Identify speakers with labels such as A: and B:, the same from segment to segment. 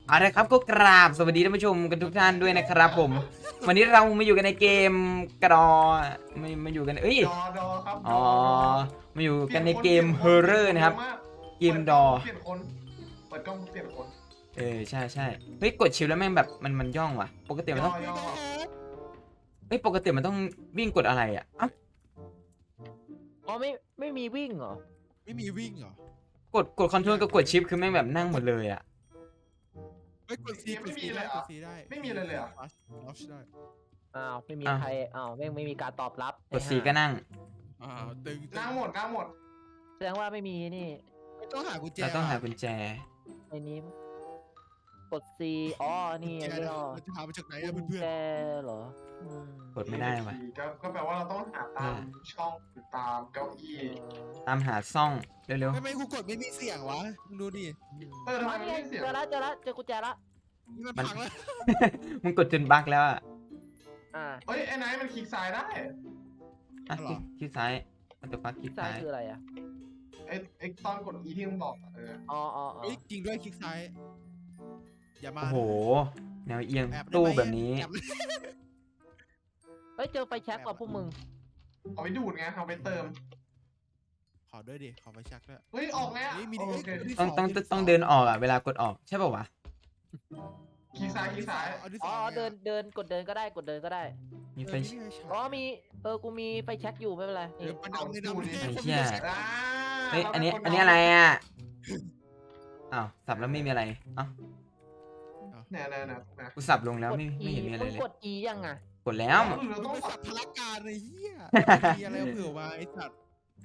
A: เอาละครับก็กราบสวัสดีท่านผู้ชมกันทุกท่านด้วยนะครับผมวันนี้เรามาอยู่กันในเกมกระดอมาอยู่กัน
B: ดอครับ
A: อ๋อมาอยู่
B: เปลี่ยน
A: กันในเกม
B: คน
A: ฮอร์เรอร์นะครับ
B: เปลี่ยนคน
A: เกมดอ
B: เยอะากเปลี่ยนคนเปิดกล้องเปลี่ยนคน
A: ใช่เฮ้ยกดชิลแล้วแม่งแบบมันย่องว่ะปกติมันต้อง
B: ย่อ
A: เฮ้ยปกติมันต้องวิ่งกดอะไรอ่ะเอ้า
C: อ๋อไม่มีวิ่งเหรอ
D: ไม่มีวิ่งเหรอ
A: กดคอนโทรลกับกดชิปคือแม่งแบบนั่งหมดเลยอ่ะ
D: ไม่กดซีกดซีได้กดซีได้
B: ไม่มีเลยเหรอ
D: ลัชได้
C: อ้าวไม่มีใครอ้าวไม่มีการตอบรับ
A: กดสีก็นั่ง
D: ตึง
B: นั่งหมด
C: แสดงว่าไม่มีนี่
D: ไม่ต้องหากุญแจ
A: เราต้องหากุญแจ
C: ในนี้กด C อ๋อนี่
D: กุญแจ
C: ไง
D: มันจะหามาจากไหน
C: กุ
D: อะ
C: ญ
D: เพื่อน
C: แจเหรออืม
A: กดไม่ได้ว่ะ
B: ก็แปลว่าเราต้องหาตามช่องหรือตามเก้าอี้
A: ตามหาซ่องเร็ว
D: ไม่กูกดไม่มีเสียงวะมึงดูดิ
B: ทำไม
C: อ๋อ
B: ไม่
C: นี่ไง
B: ได้เสียง
C: เจอแล้วเจอกุญแจละ
D: นี่มันพังแล้ว
A: ๆ มึงกดจนบั๊กแล้วอ่ะ
C: อ่า
B: เฮ้ยไอ้ไนท์มันคลิกซ้ายได้
A: อ่ะคลิกซ้ายมันจะปักคลิก
C: ซ้า
A: ซ้าย ย
C: คืออะไรอ่ะ
B: ไอ้ตอนกด E ที่มึงบอก
C: อ๋อ
D: เฮ้ยจริงด้วยคลิกซ้ายอย่ามา
A: โอ้โหแนวเอียง
D: แอบได้
A: ตู้
D: ไหม
A: แบบนี้
D: แอบ
C: เฮ้ยเจอไฟแช็กกับพวกมึง
B: เอาไปดูดไงเอาไปเติม
D: ขอด้วยดิขอไฟแช็กด้วย
B: เฮ้ยออกไง
D: เฮ้ยมี
B: โอเค
A: ต้องเดินออกอ่ะเวลากดออกใช่ป่าววะ
B: คลิกซ้าย
C: อ๋อเดินกดเดินก็ได้กดเดินก็ได้
A: มีไฟ
C: อ๋อมีกูมีไฟแช็กอยู่ไม่เป็นไร
D: เดี๋
C: นี่
D: ยวมันเอาในดำ
A: ไอ้เหี้ย
B: อ่า
A: เฮ้ยอันนี้อะไรอ่ะอ้าวสับแล้วไม่มีอะไรอ้าว
B: เนี่ย
A: กูสับลงแล้ว
C: กด
A: ไม่เห็นมีอะไร
C: มึง
A: เลย
C: กด E ยังอ่ะ
A: กดแล้ว
B: เรา
D: ต้
B: ต้
D: อ
B: อง ง
D: สับพลักการเลยเฮียมีอะไรเผื่อมาไอ้สัตว์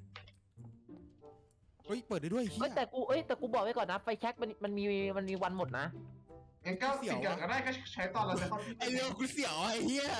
D: เฮ้ยเปิดได้ด้วยเฮี
C: เอ้
D: ย
C: ยแต่กูบอกไว้ก่อนนะไฟแช็กมันมีวันหมดนะ
B: งั้นก็สิ่งอย่างก็ได้ก็ใช้ตอนเราจะเข้า
D: ไอ้เรื่องกูเสียวไอ้เฮีย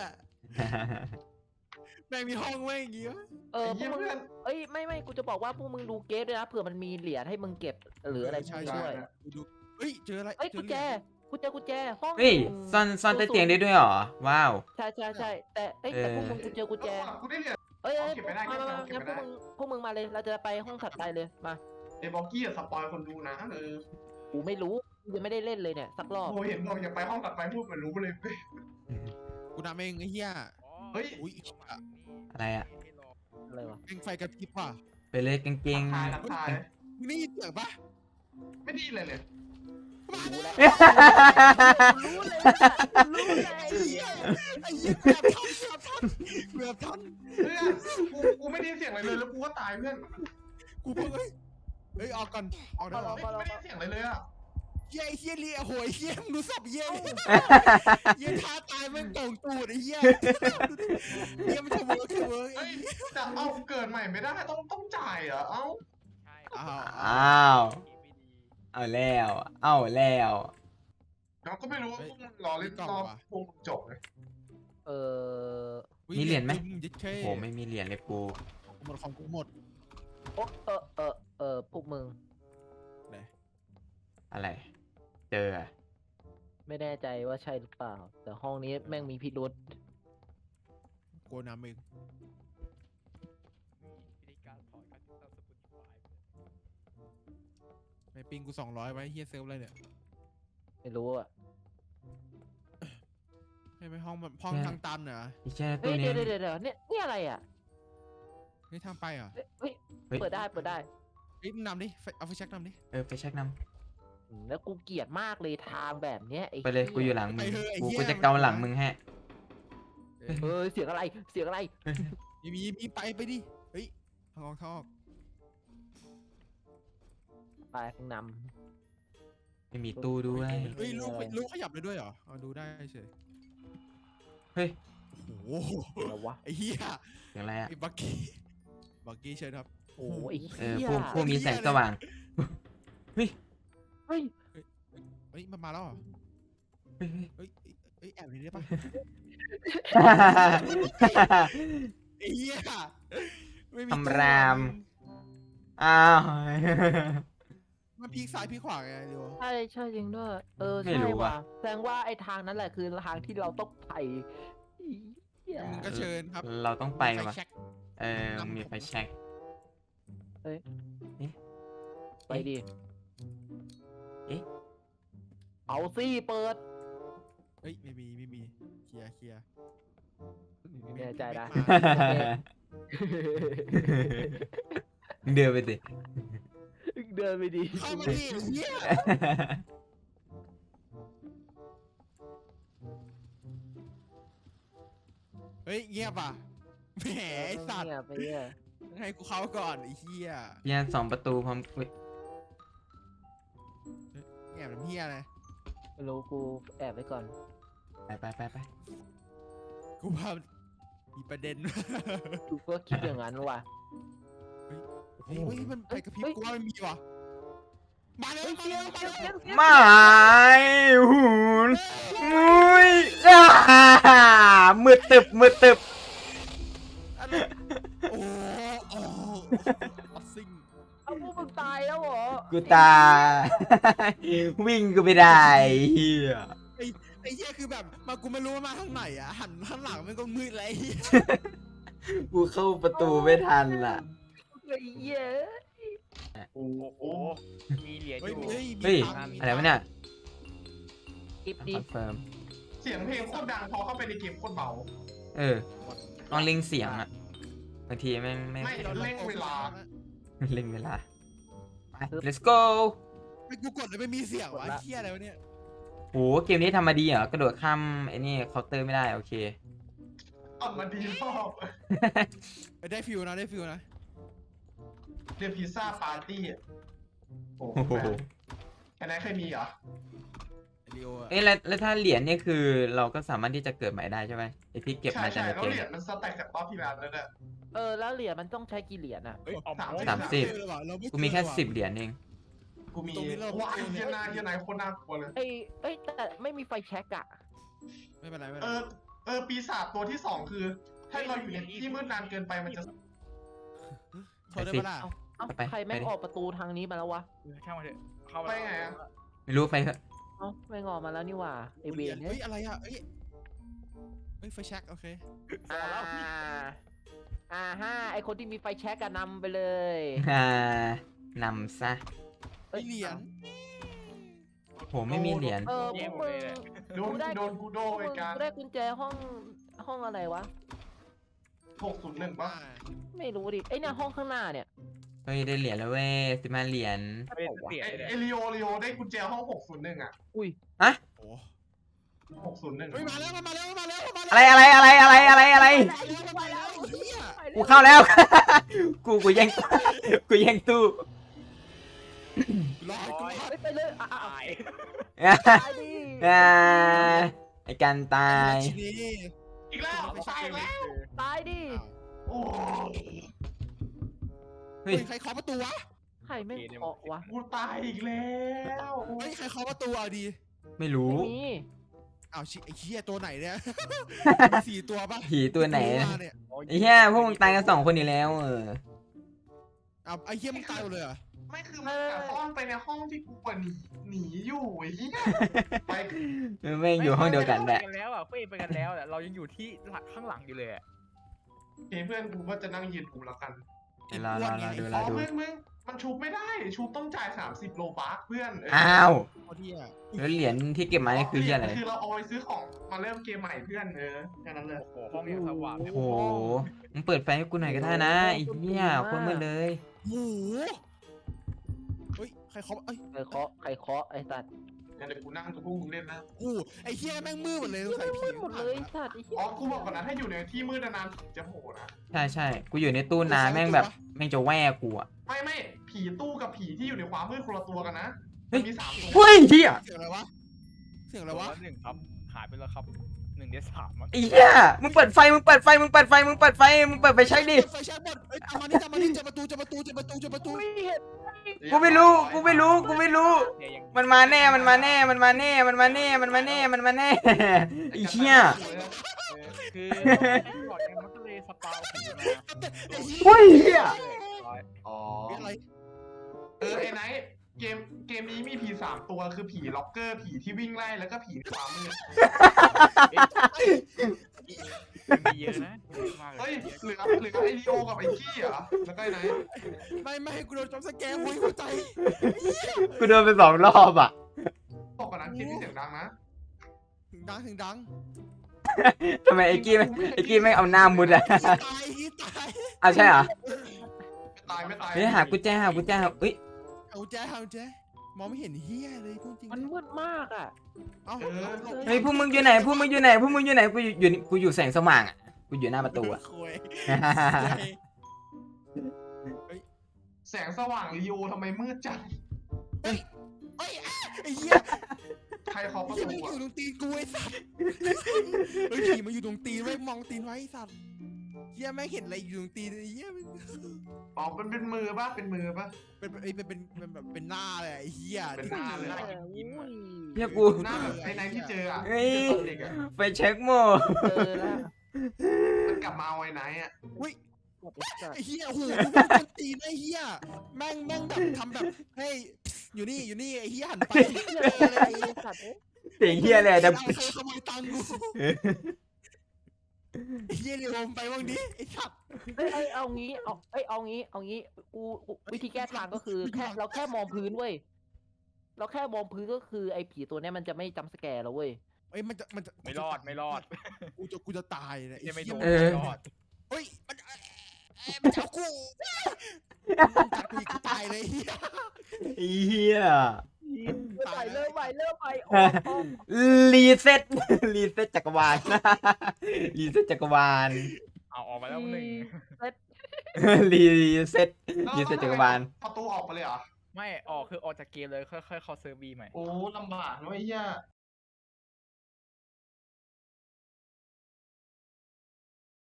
D: แม่งมีห้องแม่งอย่างงี้วะ
C: เออพว
B: เยี่ย
C: ก
B: ม
C: มึง
B: เพื่อน
C: ไม่กูจะบอกว่าพวกมึงดูเกมด้วยนะเผื่อมันมีเหรียญให้มึงเก็บหรืออะไรพวกนี้ด้วย
D: ดูเฮ้ยเจออะไร
C: เอ้ยกุญแจห้อง
A: เฮ้ยซ่อนใต้เตียงได้ด้วยเหรอว้าว
C: ใช่แต่พวกมึงกูเจอกุญแจ
B: กูได้เหรียญ
C: เอ้ย
B: เก็บไม่ได้
C: มา
B: เก็บไม่ได้
C: งั้นพวกมึงมาเลยเราจะไปห้องถัดไปเลยมา
B: ไอ้บอกกี้อะสปอยคนดูนะ
C: กูไม่รู้กูยังไม่ได้เล่นเลยเนี่ยสักรอบ
B: โอ้เห็นบอกอย่าไปห้องตัดไฟพูดเหมือนรู้เลย
D: กูนำเองไอ้เหี้ย
B: เฮ้ย
D: อุ้ย
A: อะไรอ่ะ
C: อะไรวะ
D: แม่งไฟกระพริบว่ะ
A: ไปเลยกางเกง
B: ทักทาย
D: มึงได้ยินเสียงปะ
B: ไม่ดีเลย
C: รู้แล้ว รู้เลย
D: ไอ้เหี้ยไอ้เหี้ยแบบทันเพื่อน
B: เพื่อนกูไม่ได้เสียงอะไรเลยแล้วกูก็ตายเพื่อน
D: กูเพิ่งเฮ้ยออกก่อนออกได้หรอ
B: ไม่ได้เสียงอะไรเลยอ่ะ
D: เหี้ยไอ้เหี้ยเลี้ยโหยเหี้ยมึงดูสับเหี้ยเหี้ยท้าตายแม่งโต่งตูดไอ้เหี้ยเหี้ยมันจะเวิร์ก
B: เฮ้ยแต่เอาเกิดใหม่ไม่ได้ต้องจ่ายเหรอเอ้า
D: อ้าว
A: เอาแล้ว
B: เราก็ไม่รู้ว่าพวกมึงรอเล่นรอบพวกมึงจบเลย
C: เออ
A: มีเหรียญไหม
D: โอ้
A: โอ้โหไม่มีเหรียญเลยกู
D: หมดของกูหมด
C: พวกมึง
A: อะไร เจออะ
C: ไม่แน่ใจว่าใช่หรือเปล่า แต่ห้องนี้แม่งมีพิรุษ
D: โกนำเองไม่ปิงกู200ไว้เฮียเซิร์ฟอะไรเนี่ย
C: ไม่รู้อ่ะ
D: ให้ไปห้องห้องทางตันเหรอ
A: อีแช่
C: เฮ้
A: ตัวย นี้
C: เดี๋ยวเนี่ยอะไรอ่ะ
D: เฮ้ยทางไปเหรอ
C: เฮ้ยเปิดได้
D: เฮ้ยมึงนำดิเอาไฟแช็กนำดิ
A: ไปเช็คน
C: แล้วกูเกลียดมากเลยทางแบบเนี้ยไอ้
A: ำไปเลยกูอยู่หลังมึง
D: ไปเถอะไอ้เหี้ย
A: กูจะเกาหลังมึงฮะ
C: เฮ้ยเสียงอะไร
D: มีไปดิเฮ้ยทางออก
C: ไปข้างน
A: ไม่มีตู้ด้วย
D: เฮ้ยลูกขยับได้ด้วยเหรอเอาดูได้เฉย
A: เฮ้ย
D: โอ้โห
C: ำอะไรวะ
D: ไอ้เหี้ย
A: เสียงอะไรอ่ะ
D: ไอ้บักกี้เชิญครับ
C: โอ้ย
A: ผู้มีแสงสว่าง
C: เฮ้ย
D: เฮ้ยมันมาแล้วเหรอเฮ้ยแอบนี่ได้ปะไอ้เหี้ยไม่มี
A: ทำราม อ้าว
D: มันพีกซ้ายพีกขวาไงเดี๋ยว
C: ใช่จริงด้วย
A: ไม่
C: ใช่
A: รู้ว่ะ
C: ว่ะแสดงว่าไอ้ทางนั้นแหละคือทางที่เราต้องไปเหี้ย
D: ก็เชิญครับ
A: เราต้องไป
D: ฟ
A: ว่ะ
D: แช็ก
A: มีไฟแช็ก
C: ไปดิเอาสิเปิด
D: เฮ้ยไม่มีเคลียร์
C: แน่ใจนะ
A: เดินไปสิ
C: เดินไปดี
D: เข้ามาดิเหี้ยเฮ้ยเงียบอ่ะแหมไอ้สัตว์
C: เนี่ยไปเนี่ย
D: ให้กูเข้าก่อนไอ้เหี้ย
A: เฮีย2 ประตูพร้อมอุ๊ย
D: แอบทำเหี้ยอะไร
C: ไม่รู้กูแอบไว้ก่อน
A: ไป
D: กูว่ามีประเด็น
C: กูก็คิดอย่างนั้นว่ะ
D: เฮ้ยมันไปกระพริบ
C: เฮ้ย
D: กูว่ามันมีว่ะมาแล้ว
C: เสียง
A: ไม่หูนมุ้ยมืดตึบ
D: โอ้ซิง
C: เอาพวกมึงตายแล้วเหรอ
A: กูตายวิ่งก็ไม่ได้เฮีย
D: ไอ้เหี้ยคือแบบมากูไม่รู้ว่ามาทางไหนอ่ะหันข้างหลังมันก็มืดเลย
A: กูเข้าประตูไม่ทันล่ะ
C: ไอ้เหี้ย
B: โอ้โห
E: มีเหรียญอ
D: เฮ้ย
E: ยู่
D: เฮ้ย
A: เฮ้ย
D: ตังค์
A: อะไรวะเนี่ย
C: กิฟ
A: ค
C: ดิ
A: อนเฟิร์ม
B: เสียงเพลงโคตรดังพอเข้าไปในเกมโคตรเบา
A: ลองเล็งเสียงอ่ะบางทีแม่งไม่
B: ไม่เร่งเวลา
A: เล็งเวลาไป let's go
D: ไม่กูกดแล้วไม่มีเสียงวะไอ้เหี้ยอะไรวะเนี่ย
A: โหเกมนี้ทำมาดีเหรอกระโดดข้ามไอ้นี่เคาน์เตอร์ไม่ได้โอเค
B: เอามาดีรอบ
D: ได้ฟิวนะได้ฟิวนะ
B: เรียกพิซซ่าปาร์ตี้โอ้
A: โอ้โห
B: โหไอ้ไหนเคยมีเหรอ
D: ไอ้ลีโออะ
A: เอ้ยแล้วถ้าเหรียญเนี่ยคือเราก็สามารถที่จะเกิดใหม่ได้ใช่ไหมไอที่เก็บ
B: ใช่
A: มาจาก
B: ใช่
A: ใน
B: แล้ว
A: เกม
B: เหรียญมันสแต็กจากรอบที่แล้วนั่นแหละ
C: แล้วเหรียญมันต้องใช้กี่เหรียญอ่ะ
E: เฮ้ยออก
A: 30 กูมีแค่10 เหรียญเอง
B: กูมีว้ายเฮียนายโคตรน่ากลัวเลย
C: เอ้ยแต่ไม่มีไฟแช็กอะ
D: ไม่เป็นไรไม่เป็น
B: เอ
D: ไร
B: อปีศาจตัวที่ 2 คือ ถ้าเราอยู่ในที่มืดนานเกินไปมันจะ
D: โทษได้ปะล่ะ
C: เอ้า
A: ไป
C: ใครแม่ง
A: ไปดิ
C: ออกประตูทางนี้มาแล้ววะ
E: ช่างมาเถอะเข้า
B: ไปไงอะ
A: ไม่รู้ไปเถอะ
C: เอ้าแม่งออกมาแล้วนี่หว่าไอเวน
D: เฮ้
C: เนี่ย
D: ยอะไรอ่ะเฮ้ยไฟแช็กโอเค
C: ฮะไอคนที่มีไฟแช็กอะนำไปเลย
A: นำซะ
D: ไม่เหรียญ
A: โหไม่มีเหรียญ
C: พวกมึง
B: โดนกูโด
C: พวก
B: ไอ้
C: มึง
B: การ
C: ได้กุญแจห้องอะไรวะ
B: 601ป่ะ
C: ไม่รู้ดิไอเนี่ยห้องข้างหน้าเนี่ย
A: เฮ้ยได้เหรียญแล้วเว้ย15 เหรียญ
E: เป็นเสีย
B: ไอลีโอได้กุญแจห้อง601อ่ะ
C: อุ้ย
D: โอ้
B: 601
D: เฮ้ยมาแล้วมาแล้วมาแล้วมา
A: อะไร
D: แล้ว
A: อะไร
D: มาแล้วเฮีย
A: กูเข้าแล้ว กูแย่งกูแย่งตู้
D: รอกู
C: ไปเลย
E: ตาย
C: ตายดิ
A: ไอการตาย
D: ทีนี้
B: อีกแล้วตายแล้ว
C: ตายดิ
B: โอ้
A: เฮ้ย
D: ใครเคาะประตูวะ
C: ใครไม่เคาะวะ
B: กูตายอีกแล้ว
D: เฮ้ยใครเคาะประตูเอาดี
A: ไม่รู้
C: ไม่มี
D: อ้าวไอ้เหี้ยตัวไหนเนี่ยมี4 ตัวป่ะ
A: ผีตัวไหน
D: เนี่ย
A: ไอ้เหี้ยพวกมึงตายกัน2 คนอยู่แล้ว
D: อ้าวไอ้เหี้ยมึงตายหมดเลยเหรอ
B: ไม่คือมันกะซ่อนไปในห้องที่กูหนีอยู่ไอ้เหี้ยไป
A: แม่งอยู่ห้องเดียวกันแหละ
E: ไปแล้วอ่ะเฟ้ไปกันแล้วแต่เรายังอยู่ที่ข้างหลังอยู่เลย
B: เพื่อนกูก็จะนั่งยืนกูแล้วกัน
A: รอดู
B: อ๋อเพื่อนมึงมันชุบไม่ได้ชุบต้องจ่าย30 โลบาร์เพื่อน
A: อ้าว
D: เอาที่อ่ะ
A: แล้วเหรียญที่เก็บมานี่คือเหี้ยอะไร
B: คือเราเอาไปซื้อของมาเริ่มเกมใหม่เพื่อนแค่นั้นเลย
E: โอ้โหห้องยังสว่าง
A: โอ้โหมึงเปิดไฟให้กูหน่อยก็ได้นะไอ้เหี้ยโคนมืดเลย
D: หมูเฮ้ยใครเคาะเอ้ย
C: ใครเคาะไอ้สัตว์
B: เดี๋ยวกูนั่งกับพวกมึงเล่นนะ
D: กูไอ้เหี้ยแม่งมืดหมดเลยใส่ผี
C: หมดเลยสัตว์ไอ้เหี้ย
B: อ๋อกูบอกก่อนนะถ้าอยู่ในที่มืดนานๆผีจะโผล่นะ
A: ใช่กูอยู่ในตู้น้ำแม่งแบบแม่งจะแว่กูอ่ะ
B: ไม่ผีตู้กับผีที่อยู่ในความมืดคนละตัวกันนะ
A: เฮ้ย
B: มี3 ตัว
A: เฮ้ยเหี้ย
D: เสียงอะไรวะเสียงอะไรวะ
E: 1ครับหายไปแล้วครับ1ใน3มั้ง
A: ไอ้เหี้ยมึงเปิดไฟใช้ดิ
D: ไฟแช็กหมดเอ้ยเอามานี่เจอประตู
C: ไม่เห็น
A: กูไม่รู้ มันมาแน่ ไอ้เหี้ย
E: คือหลอดมันก็เลยสปาวผีมา
A: เฮ้ยเหี้ย
B: อ๋อ
D: มีอะไร
B: ไอ้ไนท์เกมนี้มีผี3 ตัวคือผีล็อกเกอร์ผีที่วิ่งไล่แล้วก็ผีความมืด
E: มีเยอะนะมากเล
B: เฮ้ย
E: ย
B: เหลือไอลีโอกับไอกี้เหรอแล้วก็ไอ้ไนท์
D: ไม่ให้กูโดนจับสแกร์หัวใจ
A: กูโดนไป2 รอบอ่ะ
B: ตบอกก่อนนะเกมนี้เสียงดังนะ
D: ถึงดัง
A: ทำไมไอ้กี้ไม่เอาหน้ามุดอะ
D: ตายตาย
A: เอาใช่เหรอ
B: ไม่ตาย
A: เฮ้ยหากุญแจเฮ้ย
D: เอาแจมองไม่เห็นเฮียเลยพูดจริง
C: มันมืดมากอ่ะ
D: เอา
A: เฮ้ยพวกมึงอยู่ไหนกูอยู่แสงสว่างอะกูอยู่หน้าประตูอะ
D: คุย
B: แสงสว่างลีโอทำไมมืดจัง
D: เฮ้ยไอ้เหี้ย
B: ใครเคาะประ
D: ผี
B: ตู
D: มันอ
B: อ่ะ
D: ยู่ตรงตีนกูไอ้สัตว์เฮ้ยผีมันอยู่ตรงตีนไว้มองตีนไว้ไอ้สัตว์เหี้ยแม่งเห็นอะไรอยู่ตรงตีนไอ้เหี้ยมัน
B: อ๋อเป็นมือป่ะเป็นมือป่ะ
D: เป็นแบบเป็นหน้าเลยไอ้เหี้ย
B: เป็นหน้าเลย
A: เฮียกู
B: หน้าแบบไอ้ไหนที่เจออ่ะ
A: เฮ้ย
B: ที่เจอตอนเด็กอ่ะ
A: ไปเช็คโม
C: เจอแล้ว
B: มันกลับมาเอาไอ้ไหนอ่ะ
D: อุ้ย
C: หมดแล้วจ้ะ
D: ไอ้เหี้ยโอ้โหดูมันตีนไอ้เหี้ยแม่งแบบทำแบบเฮ้ยอยู่นี่ไอ้เหี้ยหันไป
C: เจออะไรไอ้สัตว์เอ้ย
A: เสียงเฮียเลยแต่
D: ใครขโมยตังค์กูไอ้เหี้ยเรียมไปบ้างดิไอ้สัตว์
C: เอ้ยเอางี้กูวิธีแก้ทางก็คือเราแค่มองพื้นเว้ยเราแค่มองพื้นก็คือไอ้ผีตัวเนี้ยมันจะไม่จำสแกร์เราเว้ย
D: เอ้ยมันจะ
E: ไม่รอด
D: กูจะตายเลย
E: ยังไม่โดน
A: เออ
E: ไม่รอด
D: เฮ้ยมันจะเอากูมันกัดกูอีกกูตายเลยเหี้ย
A: เริ่มใหม่
C: เริ่มใหม่โอ้โห
A: รีเซ็ตจักรวาล รีเซ็ตจักรวาล
E: เอาออกมาแล้วหนึ่ง
A: รีเซ็ตจักรวาล
B: ประตูออกไปเลยเหรอ
E: ไม่ออกคือออกจากเกมเลยค่อยๆเข้าเซิร์ฟบีใหม่
B: โอ้ลำบากนะไอ้เหี้ย